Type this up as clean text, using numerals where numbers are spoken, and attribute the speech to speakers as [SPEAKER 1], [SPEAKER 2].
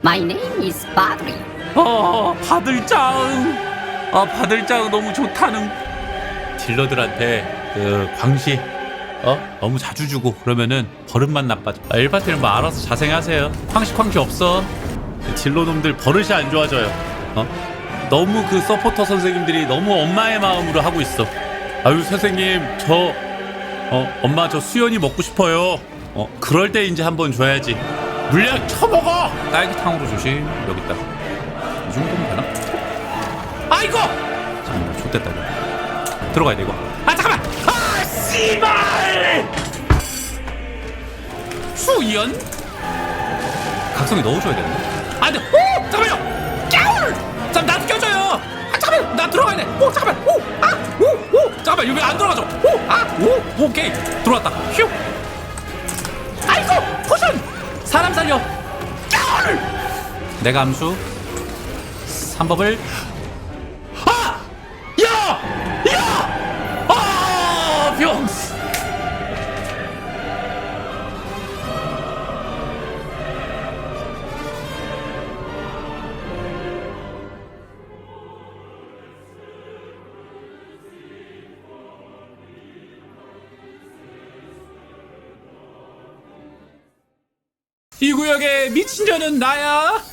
[SPEAKER 1] My name is 바드리.
[SPEAKER 2] 바들짱. 바들짱 너무 좋다는. 딜러들한테 그 광시 너무 자주 주고 그러면은 버릇만 나빠져. 일파티는 뭐 알아서 자생하세요. 광시 없어. 딜러놈들 버릇이 안 좋아져요. 너무 그 서포터 선생님들이 너무 엄마의 마음으로 하고 있어. 아유 선생님 저 엄마 저 수연이 먹고 싶어요. 그럴 때 이제 한번 줘야지. 물약 쳐먹어. 딸기탕으로 조심. 여기 있다. 이 정도면 되나? 아이고! 잠깐만 좆됐다 이거. 들어가야 돼 이거. 잠깐만! 씨발! 수연? 각성이 넣어줘야 되는데? 안돼! 잠깐만요! 깨울! 나도 껴줘요! 잠깐만! 나 들어가야 돼! 잠깐만! 잠깐만 여기 안 들어가죠? 오케이! 들어왔다! 휴! 아이고! 포션! 사람 살려! 깨울! 내가 암수 3법을 병스! 이 구역의 미친 자는 나야.